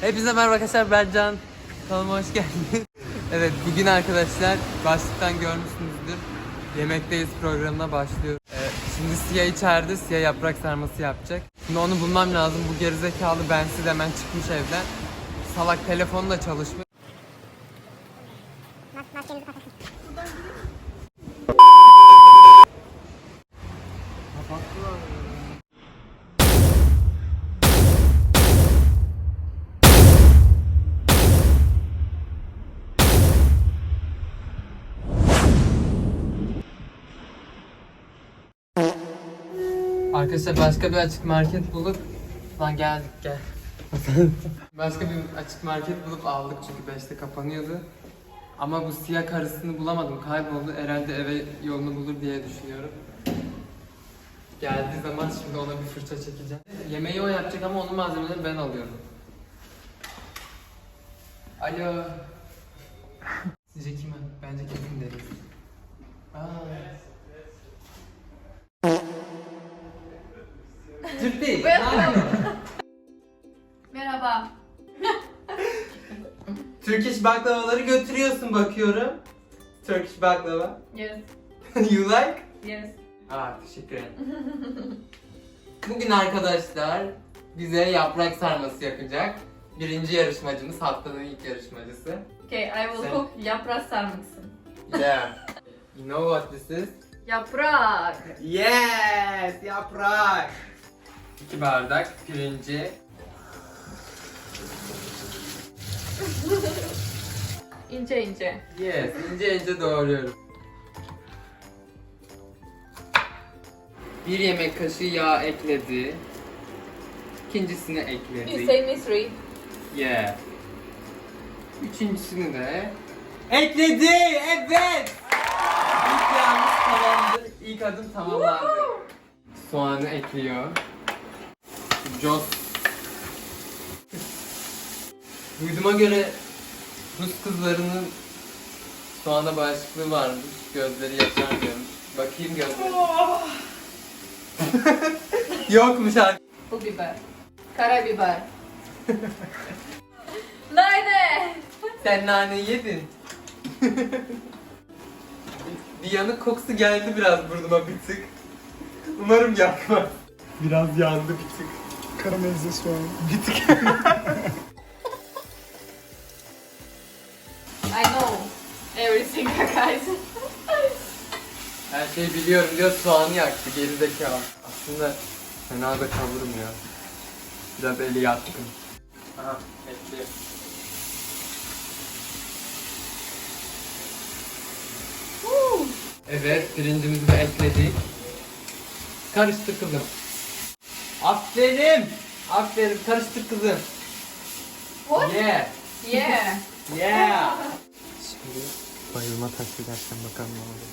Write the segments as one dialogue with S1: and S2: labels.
S1: Hepinize merhaba arkadaşlar, ben Can. Kanalıma hoş geldiniz. Evet, bugün arkadaşlar başlıktan görmüşsünüzdür. Yemekteyiz programına başlıyoruz. Şimdi Siyah içeride, Siyah yaprak sarması yapacak. Şimdi onu bulmam lazım. Bu gerizekalı bensiz hemen çıkmış evden. Salak telefonu da çalışmıyor. Arkadaşlar başka bir açık market bulup geldik gel. Başka bir açık market bulup aldık çünkü 5'te kapanıyordu. Ama bu Siyah karısını bulamadım, kayboldu. Herhalde eve yolunu bulur diye düşünüyorum. Geldiği zaman şimdi ona bir fırça çekeceğim. Yemeği o yapacak ama onun malzemelerini ben alıyorum. Alo. Sizce kim? Bence kesin deriz. Türk değil.
S2: Merhaba.
S1: Turkish baklavaları götürüyorsun bakıyorum. Turkish baklava.
S2: Yes.
S1: You like?
S2: Yes.
S1: Teşekkür ederim. Bugün arkadaşlar bize yaprak sarması yapacak. Birinci yarışmacımız, haftanın ilk yarışmacısı.
S2: Okay, I will cook yaprak sarması.
S1: Yeah. You know what this is?
S2: Yaprak.
S1: Yes, yaprak. 2 bardak pirinci.
S2: İnce ince.
S1: Yes, ince ince doğruyorum. 1 yemek kaşığı yağ ekledi. İkincisini ekledi.
S2: You say me three.
S1: Yeah. Üçüncüsünü de ekledi. Evet. İlk yağımız tamamdır. İlk adım tamamlandı. Soğanı ekliyor. Jos. Duyduğuma göre Rus kızlarının soğana bağışıklığı varmış. Gözleri yaşarmıyormuş. Bakayım gözleri. Yokmuş artık.
S2: Pul biber. Karabiber. Nane.
S1: Sen naneyi yedin. Bir yanık kokusu geldi biraz burnuma bir tık. Umarım yakmaz. Biraz yandı bir tık.
S3: Karamelize soğan.
S1: Bir tık.
S2: I know everything, guys.
S1: Her şeyi biliyorum diyor, soğanı yaktı gerizekalı. Aslında fena da kavurmuyor. Biraz eli yatkın. Aha, bekliyor. Evet, pirincimizi de ekledik. Karıştır kızım. Aferin. Aferin, karıştır kızım.
S2: What?
S1: Yeah.
S2: Yeah.
S1: Yeah. Şimdi bayılma taklidi dersen bakalım ne olur.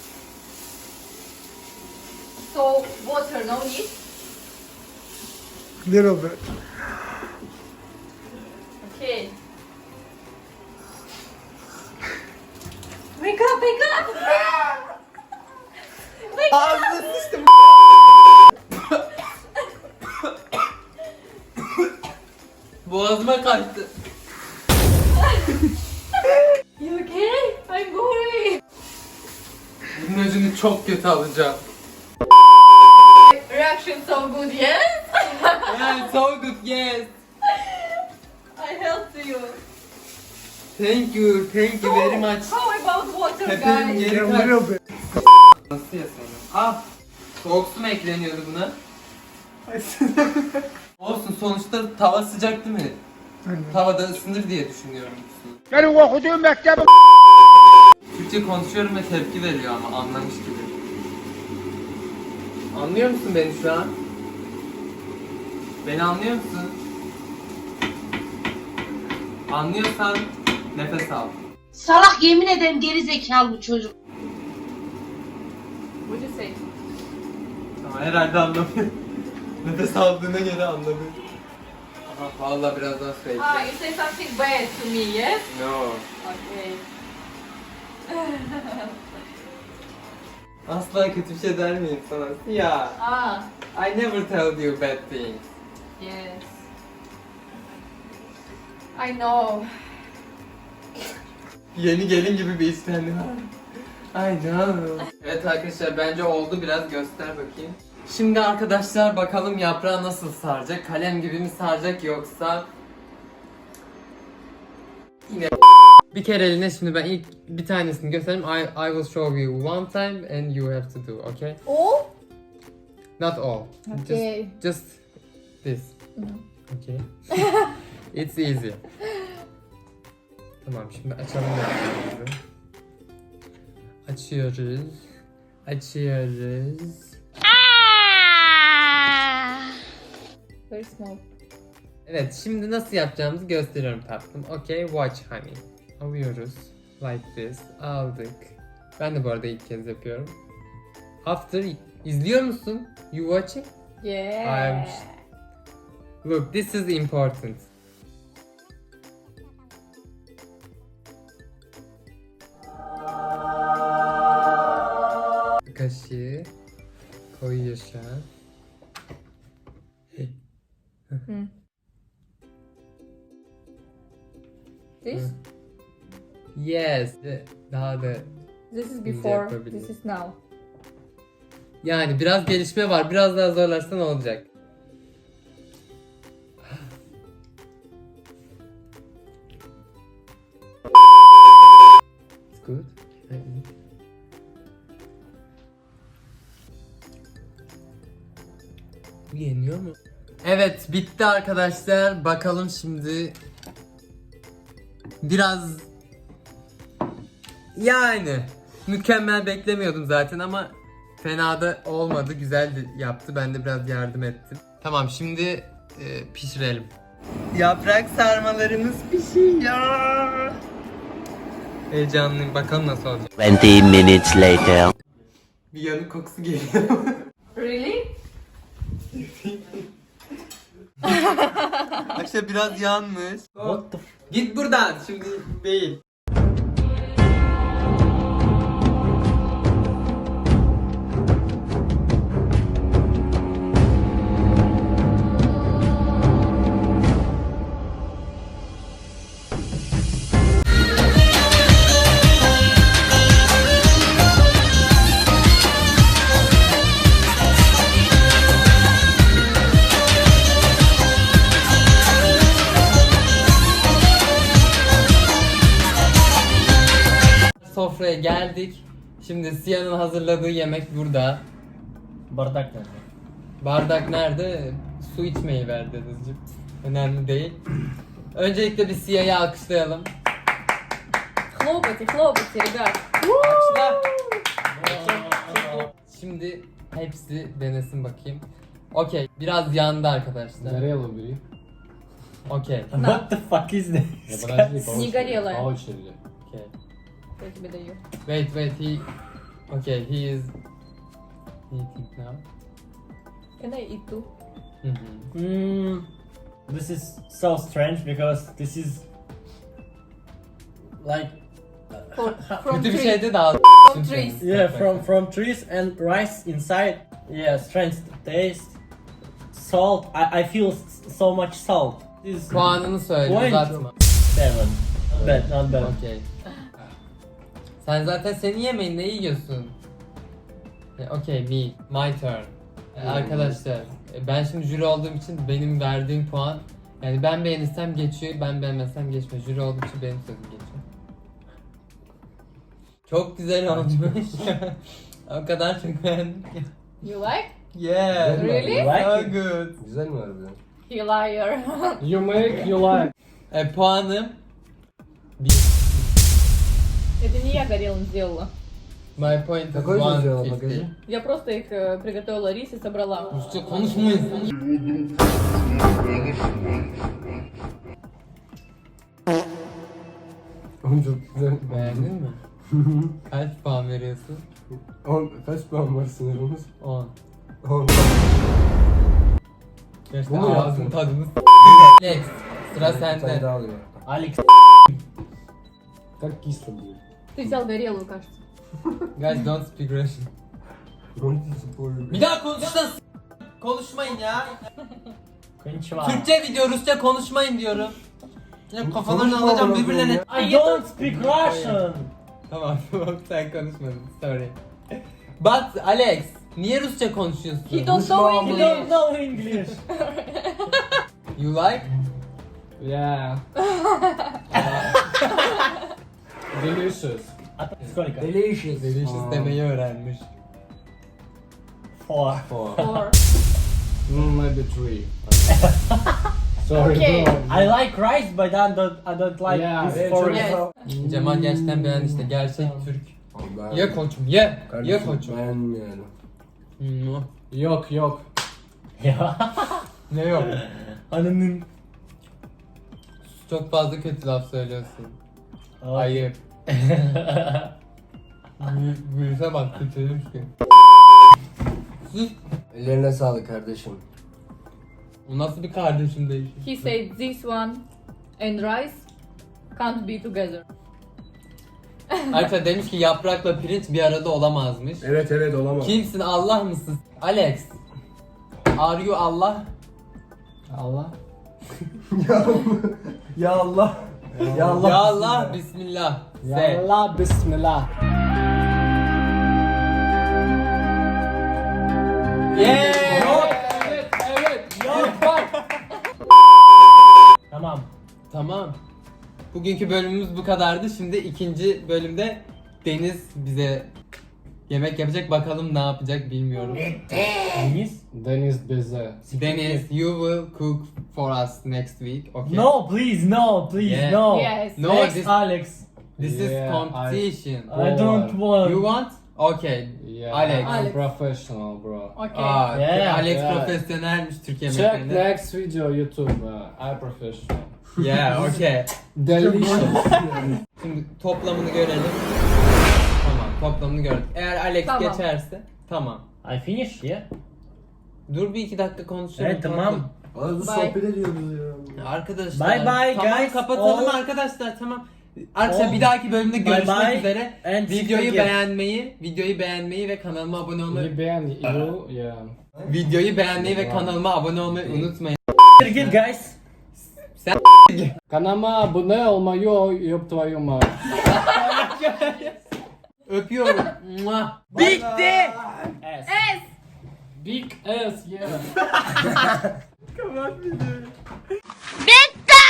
S2: So water no need.
S3: Little bit.
S2: Okay. Wake up, wake up. Wake up.
S1: Ağzını sıçtım. Boğazıma kaçtı.
S2: You okay? I'm going.
S1: Bunun öcünü çok kötü alacağım.
S2: Reaction so good, yes?
S1: Yeah, so good, yes.
S2: I helped you.
S1: Thank you very much.
S2: How about water,
S1: Pepe'nin
S2: guys?
S1: geri
S3: Yeah,
S1: kaç.
S3: little bit.
S1: Nasıl yasana? Soğuk su mu ekleniyordu buna? Olsun, sonuçta tava sıcak değil mi?
S3: Aynen.
S1: Tavada ısınır diye düşünüyorum su.
S3: Benim okuduğum mektebim.
S1: Türkçe konuşuyorum ve tepki veriyor ama anlamış gibi. Anlıyor musun beni şu an? Beni anlıyor musun? Anlıyorsan nefes al.
S4: Salak, yemin ederim geri zekalı bu çocuk.
S2: What do you say?
S1: Ama herhalde anlamıyor. Nefes aldığına göre anladı. Aha, vallahi biraz daha su ekle.
S2: You say something bad to me, yes?
S1: No.
S2: Okay.
S1: Asla kötü bir şey der miyim sana? Ya. I never tell you bad things.
S2: Yes. I know.
S1: Yeni gelin gibi bir istendi var. Ay canım. Evet arkadaşlar bence oldu, biraz göster bakayım. Şimdi arkadaşlar bakalım yaprağı nasıl saracak? Kalem gibi mi saracak yoksa yine bir kereliğine. Şimdi ben ilk bir tanesini göstereyim. I will show you one time and you have to do, okay?
S2: All?
S1: Not all.
S2: Okay.
S1: Just this. Okay. It's easy. Tamam, şimdi açalım yaprağımızı. Açıyoruz. Açıyoruz.
S2: Very small.
S1: Evet, şimdi nasıl yapacağımızı gösteriyorum tatlım. Okay, watch honey. Alıyoruz. Like this. Aldık. Ben de bu arada ilk kez yapıyorum. After, izliyor musun? You watching?
S2: Yeah.
S1: Look, this is important. Kaşığı koyuyor şu an.
S2: This?
S1: Yes. Daha da
S2: This is
S1: Ince
S2: before.
S1: yapabilirim.
S2: This is now.
S1: yani biraz gelişme var. Biraz daha zorlarsan olacak. It's good. Bu yeniyor mu? Evet, bitti arkadaşlar. Bakalım şimdi. Biraz yani mükemmel beklemiyordum zaten ama fena da olmadı. Güzel de yaptı. Ben de biraz yardım ettim. Tamam, şimdi pişirelim. Yaprak sarmalarımız pişiyor. Heyecanlıyım. Bakalım nasıl olacak.
S5: 20 minutes later.
S1: Bir yanık kokusu geliyor.
S2: Really?
S1: Arkadaşlar biraz yanmış. Git buradan. Şimdi değil. Sofraya geldik. Şimdi Siya'nın hazırladığı yemek burada.
S6: Bardak nerede?
S1: Bardak nerede? Su içmeyi ver dedeciğim. Önemli değil. Öncelikle bir Siya'yı alkışlayalım.
S2: Хлопайте, хлопайте, ребят.
S1: Alkışla. Şimdi hepsi denesin bakayım. Okey, biraz yandı arkadaşlar.
S6: Горело бери.
S1: Okey.
S6: What the fuck is this?
S2: Не горелая.
S6: По очереди.
S1: Okay.
S2: Я тебе даю.
S1: Wait, he is eating now.
S2: Can I eat too?
S1: Hı hı.
S6: This is so strange because this is like
S2: From
S1: Kötü bir
S2: tree.
S1: şeydi daha.
S2: From trees.
S6: yeah from trees and rice inside. Yeah, strange taste. Salt. I feel so much salt. This is
S1: Puanını söyle,
S6: Point.
S1: uzatma.
S6: 7. Not bad.
S1: Okey. Sen zaten senin yemeğin, ne yiyorsun? Okey, my turn. Arkadaşlar, ben şimdi jüri olduğum için benim verdiğim puan, yani ben beğenirsem geçiyor, ben beğenmezsem geçmiyor. Jüri olduğum için benim sözüm geçiyor. Çok güzel olmuş. O kadar çok beğendim ki.
S2: You like?
S1: Yeah.
S2: Really?
S1: So good.
S6: Güzel mi harbiden?
S2: You liar.
S6: You make, you like.
S1: Puanım 1.
S2: Это не я горелым сделала.
S1: My point is
S6: Какой ты сделала,
S1: 150.
S6: покажи.
S2: Я просто их приготовила рис и собрала.
S1: Rusça konuşmayın.
S6: Oğlum çok güzel.
S1: Beğendin mi? Kaç puan veriyorsun?
S6: 10, kaç puan var sınırımız?
S1: 10.
S6: 10.
S1: Gerçekten
S6: Bu mu
S1: ağzın
S6: yaptın?
S1: tadını Next. Sıra sende.
S6: алıyor. Алекс. Так кисло будет.
S2: Ты взял горелую, кажется.
S1: Guys, don't speak Russian. Bir daha konuşsan konuşmayın ya.
S6: Кончева.
S1: Türkçe video, Rusça konuşmayın diyorum. Ya kafalarını alacağım birbirlerine.
S6: I don't speak Russian.
S1: Tamam sen konuşmadın. Sorry. But Alex, niye Rusça konuşuyorsun?
S2: He don't know
S6: You
S2: English.
S6: don't know English.
S1: You like?
S7: Yeah. Delicious.
S6: Сколько?
S1: Delicious demeyi öğrenmiş.
S6: 4.
S2: Or
S7: Maybe 3. Sorry,
S2: Okay.
S7: bro.
S6: I like rice, but I don't like
S7: Yeah,
S6: this
S7: yeah,
S6: for
S2: yes.
S1: Cemal gerçekten beğendi işte gerçek Türk. Ye koçum ye. Ye koçum.
S7: Beğenmiyorum.
S1: Hmm.
S7: Yok yok.
S6: Ya.
S1: Ne yok?
S6: Ananın.
S1: Çok fazla kötü laf söylüyorsun. Ayıp. Virüse bak kötüymüş ki. Sus.
S8: Ellerine sağlık kardeşim.
S1: Bu nasıl bir kardeşim değişim?
S2: he said this one and rice can't be together.
S1: Arkadaşlar demiş ki yaprakla pirinç bir arada olamazmış.
S8: Evet olamaz.
S1: Kimsin, Allah mısın? Alex. Are you Allah?
S7: Allah.
S8: Ya Allah.
S1: Ya Allah, Bismillah. Say.
S7: Yallah bismillah.
S1: Yeah.
S7: Yok bak.
S6: Tamam.
S1: Tamam. Bugünkü bölümümüz bu kadardı. Şimdi ikinci bölümde Deniz bize yemek yapacak. Bakalım ne yapacak bilmiyorum.
S6: Deniz?
S7: Deniz bize.
S1: Deniz, you will cook for us next week. Okay.
S6: No, please, no, please,
S1: Yeah.
S6: no.
S2: Yes.
S1: No,
S6: Next,
S1: this
S6: Alex.
S1: is
S7: Yeah,
S1: competition.
S6: I don't want.
S1: You want? Okay.
S7: Yeah,
S1: Alex.
S7: I'm
S2: Alex.
S7: professional bro.
S2: Okay.
S1: Aa,
S6: Yeah.
S1: Alex
S7: Yeah.
S1: profesyonelmiş Türk
S7: Check
S1: yemeklerinde.
S7: next video YouTube. I professional.
S1: Yeah, okay.
S7: Delicious.
S1: Şimdi toplamını görelim. Tamam, toplamını gördük. Eğer Alex
S2: Tamam.
S1: geçerse tamam.
S6: I finish, yeah?
S1: Dur bir iki dakika konuşalım.
S6: Evet, tamam.
S8: Az
S2: Bye.
S8: sohbet ediyoruz ya.
S1: Arkadaşlar.
S6: Bye bye,
S1: tamam,
S6: guys.
S1: kapatalım
S6: All-
S1: arkadaşlar, tamam. Arkadaşlar
S6: All-
S1: bir dahaki bölümde görüşmek
S6: bye.
S1: üzere.
S6: And
S1: Videoyu
S6: forget.
S1: beğenmeyi ve kanalıma abone olmayı
S7: You, yeah.
S1: videoyu beğenmeyi ve kanalıma abone olmayı unutmayın.
S6: Forget, guys.
S7: Kanalıma abone olmayı yok твою мать.
S1: Öpüyorum. Mua. Bitti.
S6: S.
S7: Big ass yeah.
S4: Bitti!